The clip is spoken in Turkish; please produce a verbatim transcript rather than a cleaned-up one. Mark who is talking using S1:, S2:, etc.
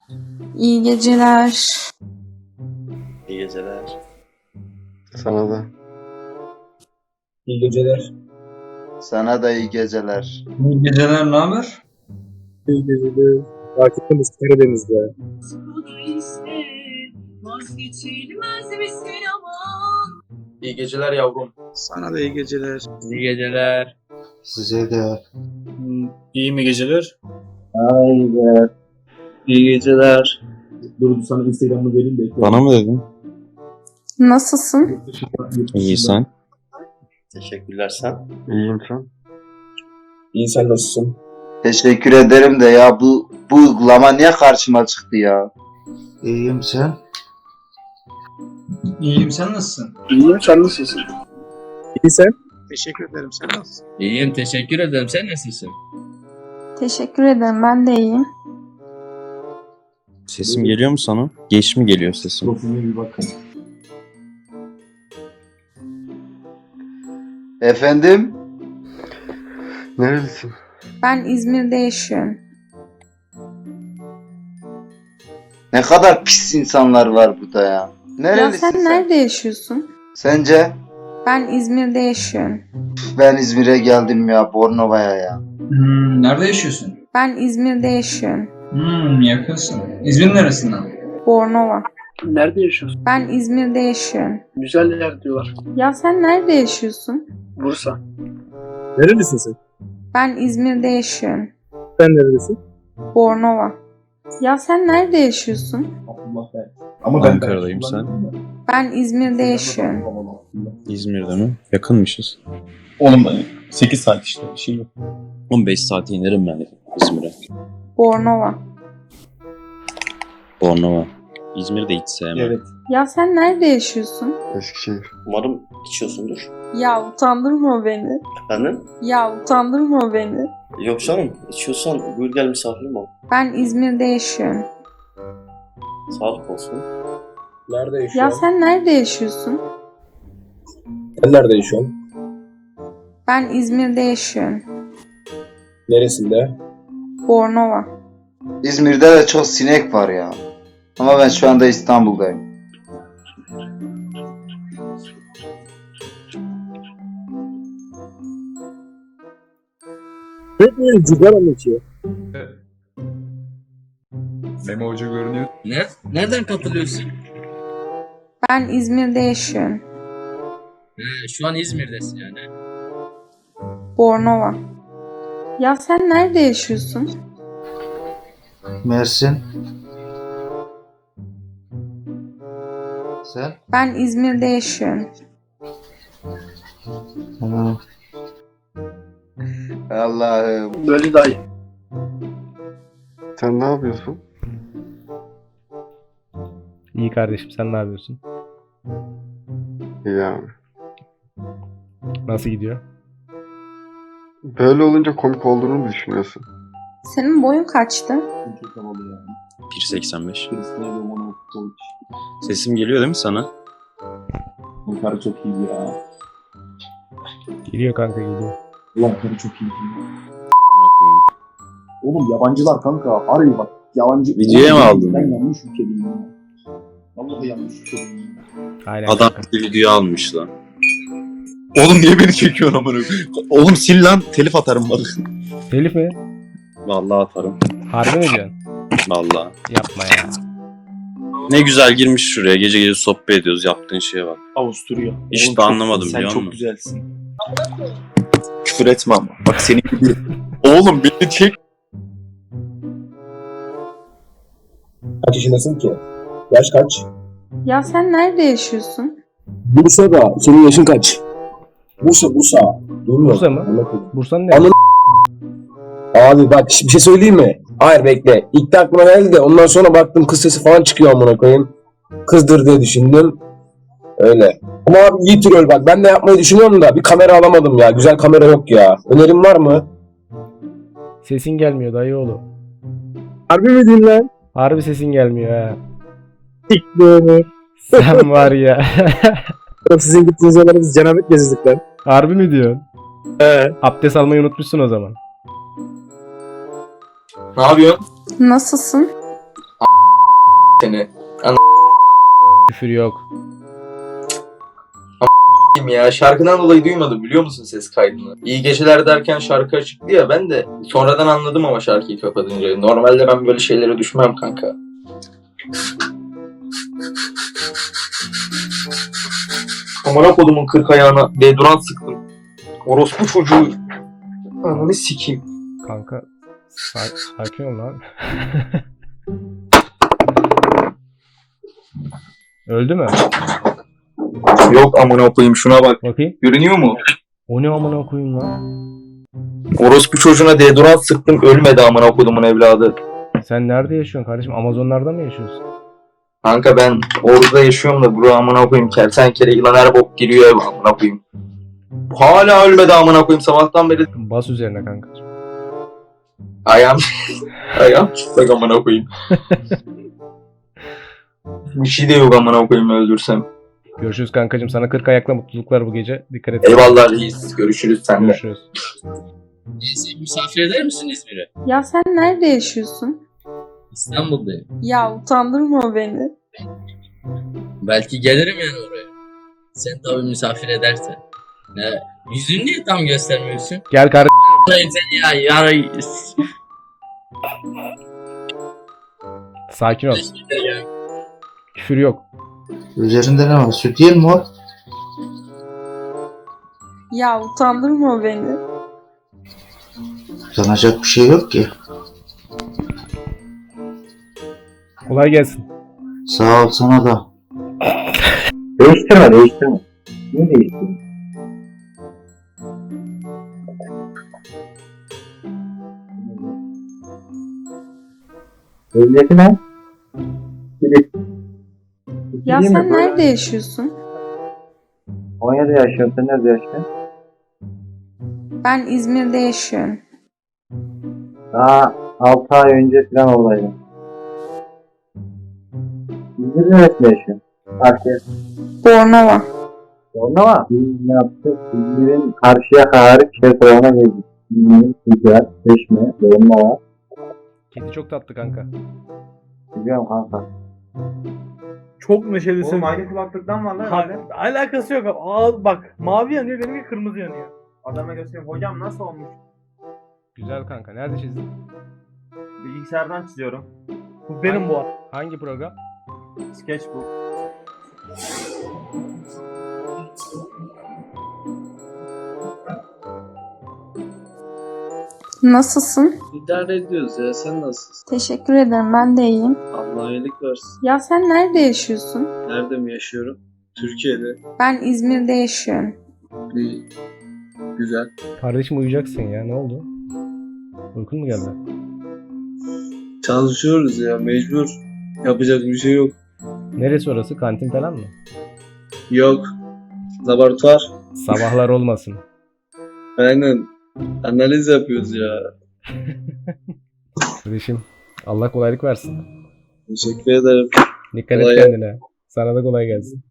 S1: İyi geceler.
S2: İyi geceler.
S3: Sana da.
S4: İyi geceler.
S3: Sana da iyi geceler.
S4: İyi geceler, ne haber?
S5: İyi geceler. Takiptemiz Karadeniz'de.
S4: İyi geceler yavrum.
S5: Sana da iyi geceler.
S6: İyi geceler.
S3: Size de.
S5: İyi mi geceler?
S6: Haydi. İyi geceler.
S5: Dur sana Instagram'ı vereyim de. ekle.
S7: Bana mı dedin?
S1: Nasılsın?
S7: İyi sen.
S2: Teşekkürler sen.
S3: İyiyim sen.
S4: İyi, sen nasılsın?
S3: Teşekkür ederim de ya bu bu uygulama niye karşıma çıktı ya? İyiyim sen.
S4: İyiyim, sen nasılsın?
S5: İyiyim sen nasılsın? İyi sen? Teşekkür ederim sen nasılsın?
S6: İyiyim, teşekkür ederim. Sen nasılsın?
S1: Teşekkür ederim. Ben de iyiyim.
S7: Sesim geliyor mu sana? Geç mi geliyor sesim?
S5: Profiline bir bakın.
S3: Efendim? Nerelisin?
S1: Ben İzmir'de yaşıyorum.
S3: Ne kadar pis insanlar var burada ya.
S1: Ya
S3: Nerelisin
S1: sen
S3: sen?
S1: nerede yaşıyorsun?
S3: Sence?
S1: Ben İzmir'de yaşıyorum.
S3: Ben İzmir'e geldim ya, Bornova'ya ya.
S4: Hmm, nerede yaşıyorsun?
S1: Ben İzmir'de yaşıyorum.
S4: Hmm, yakınsın. İzmir'in neresinden?
S1: Bornova.
S5: Nerede yaşıyorsun?
S1: Ben İzmir'de yaşıyorum.
S5: Güzel yer diyorlar.
S1: Ya sen nerede yaşıyorsun?
S5: Bursa. Nerelisin sen?
S1: Ben İzmir'de yaşıyorum.
S5: Sen nerelisin?
S1: Bornova. Ya sen nerede yaşıyorsun?
S5: Allah be. Ama ben
S7: Ankara'dayım, sen?
S1: Ben İzmir'de yaşıyorum.
S7: İzmir'de mi? Yakınmışız.
S5: Oğlum ben sekiz saat işte bir şey yok.
S7: on beş saat inerim ben İzmir'e.
S1: Bornova.
S7: Bornova. İzmir'de hiç sevmem.
S5: Evet.
S1: Ya sen nerede yaşıyorsun?
S3: Eskişehir.
S2: Umarım içiyorsundur.
S1: Ya utandırma beni.
S2: Efendim?
S1: Ya utandırma beni.
S2: Yok canım. İçiyorsan buyur gel misafirim ol.
S1: Ben İzmir'de yaşıyorum.
S2: Sağlık olsun.
S4: Nerede
S1: Ya
S4: yaşıyorsun?
S1: sen nerede yaşıyorsun?
S4: Sen nerede yaşıyorsun?
S1: Ben İzmir'de yaşıyorum.
S4: Neresinde?
S1: Bornova.
S3: İzmir'de de çok sinek var ya. Ama ben şu anda İstanbul'dayım.
S5: Hep böyle cigara mı içiyor?
S4: Memo Hoca görünüyor.
S6: Ne? Nereden katılıyorsun?
S1: Ben İzmir'de yaşıyorum.
S6: He, şu an İzmir'desin yani.
S1: Bornova. Ya sen nerede yaşıyorsun?
S3: Mersin. Sen?
S1: Ben İzmir'de yaşıyorum.
S3: Tamam. Allah'ım.
S5: Böyle dayı.
S3: Sen ne yapıyorsun?
S8: İyi kardeşim, sen ne yapıyorsun?
S3: İyi abi.
S8: Nasıl gidiyor?
S3: Böyle olunca komik olduğunu mu düşünüyorsun?
S1: Senin boyun kaçtı?
S5: Çok havalı yani.
S7: bir seksen beş.
S5: Cristiano Ronaldo.
S7: Sesim geliyor değil mi sana?
S5: Bu karı çok iyi ya.
S8: Geliyor kanka, geliyor.
S5: Ulan karı çok iyi.
S7: Amına koyayım.
S5: Oğlum yabancılar kanka. Arıyor bak. Yabancı.
S7: Videoya mı aldın?
S5: Ben yanlış ülkedeyim ya. Vallahi yanlış ülkedeyim ya.
S8: Aynen
S7: Adam
S8: kanka.
S7: bir video almış lan. Oğlum niye beni çekiyorsun amına koyayım? Oğlum sil lan, telif atarım bak.
S8: Telif mi?
S7: Vallahi atarım.
S8: Harbi mi diyorsun?
S7: Vallahi.
S8: Yapma ya.
S7: Ne güzel girmiş şuraya. Gece gece sohbet ediyoruz. Yaptığın şeye bak.
S5: Avusturya.
S7: Hiç
S5: Oğlum
S7: de
S5: çok-
S7: anlamadım,
S5: Sen
S7: biliyor
S5: çok
S7: musun?
S5: güzelsin. Küfür etme ama. Bak senin gibi. Oğlum beni çek.
S4: Kaç yaşındasın ki? Yaş kaç?
S1: Ya sen nerede yaşıyorsun?
S4: Bursa'da. Senin yaşın kaç? Bursa, Bursa. Durmuyor.
S8: Bursa mı?
S4: Anlatayım.
S8: Bursa'nın ne?
S4: Anladım. Abi bak bir şey söyleyeyim mi? Hayır bekle. İlk de aklıma geldi de ondan sonra baktım kız sesi falan çıkıyor amına koyayım. Kızdır diye düşündüm. Öyle. Ama abi iyi troll bak. Ben de yapmayı düşünüyorum da bir kamera alamadım ya. Güzel kamera yok ya. Önerin var mı?
S8: Sesin gelmiyor dayıoğlu.
S5: Harbi mi diyeyim lan?
S8: Harbi sesin gelmiyor ha.
S5: Siktir.
S8: Sen var ya.
S5: Oğlum sizin gittiğiniz yerlere biz cenabet gezdik lan.
S8: Harbi mi diyorsun?
S5: He.
S8: Abdest almayı unutmuşsun o zaman.
S4: Ne yapıyorsun?
S1: Nasılsın?
S5: seni.
S8: Küfür yok.
S5: Kim ya? Şarkıdan dolayı duymadım biliyor musun ses kaydını? İyi geceler derken şarkı açıktı ya, ben de sonradan anladım ama şarkıyı kapatınca. Normalde ben böyle şeylere düşmem kanka. Amına kodumun kırk ayağına deodorant sıktım. Orospu çocuğu. Ananı sikeyim.
S8: Kanka sa- sakin ol lan. Öldü mü?
S5: Yok amına koyayım, şuna bak.
S8: Bakayım.
S5: Görünüyor mu?
S8: O ne amına koyayım lan?
S5: Orospu çocuğuna deodorant sıktım, ölmedi amına kodumun evladı.
S8: Sen nerede yaşıyorsun kardeşim? Amazonlarda mı yaşıyorsun?
S5: Kanka ben orada yaşıyorum da bura amına koyayım, kertenkele yılan her bok giriyor ev amına koyayım. Hala ölmedi amına koyayım, sabahtan beri
S8: Bas üzerine kanka.
S5: ayağım ayağım çıplak amına koyayım. Bir şey de yok amına koyayım öldürsem.
S8: Görüşürüz kankacığım. Sana kırk ayakla mutluluklar bu gece. Dikkat et.
S5: Eyvallah reis, görüşürüz seninle.
S8: Görüşürüz.
S6: Neyse, misafir eder misin İzmir'e?
S1: Ya sen nerede yaşıyorsun?
S6: İstanbul'dayım.
S1: Ya utandırma beni.
S6: Belki gelirim yani oraya. Sen tabii misafir edersen. Ne? Yüzünü niye tam göstermiyorsun?
S8: Gel kardeşim.
S6: Hayır sen ya yarı...
S8: Sakin ol. Küfür yok.
S3: Üzerinde ne var? Süt değil mi o?
S1: Ya utandırma beni.
S3: Utanacak bir şey yok ki.
S8: Kolay gelsin.
S3: Sağ ol sana da. Değiştirme değiştirme. Niye değiştirme? Ehliyeti ne?
S1: Ya sen nerede yaşıyorsun?
S3: Konya'da yaşıyorum. Sen nerede yaşıyorsun?
S1: Ben İzmir'de yaşıyorum.
S3: Daha altı ay önce falan oradaydım. İzmir'de neresinde yaşıyorsun? Karşıya.
S1: Bornova.
S3: Bornova. Biz ne yaptık? İzmir'in karşıya hariç şey tarafına geldik. İzmir'in Sıcak, Çeşme, Bornova.
S8: Kedi çok tatlı kanka.
S3: Biliyorum kanka.
S9: Çok neşelisin.
S10: Oğlum aynı kulaklıktan var lan
S9: Ha,
S10: herhalde.
S9: alakası yok. Aa, bak mavi yanıyor, benimki kırmızı yanıyor.
S10: Adama göstereyim. Hocam nasıl olmuş?
S8: Güzel kanka. Nerede çizdin?
S10: Bilgisayardan çiziyorum.
S9: Bu benim bu.
S8: Hangi program?
S10: Sketchbook.
S1: Nasılsın?
S6: İdare ediyoruz ya, sen nasılsın?
S1: Teşekkür ederim. Ben de iyiyim.
S6: Allah iyilik versin.
S1: Ya sen nerede yaşıyorsun?
S6: Nerede mi yaşıyorum? Türkiye'de.
S1: Ben İzmir'de yaşıyorum.
S6: İyi. Güzel.
S8: Kardeşim uyuyacaksın ya. Ne oldu? Uykun mu geldi?
S6: Çalışıyoruz ya, mecbur. Yapacak bir şey yok.
S8: Neresi orası? Kantin falan mı?
S6: Yok. Laboratuvar.
S8: Sabahlar olmasın.
S6: Aynen. Analiz yapıyoruz ya.
S8: Kardeşim Allah kolaylık versin.
S6: Teşekkür ederim.
S8: Dikkat et
S6: Kolay-
S8: kendine. Sana da kolay gelsin.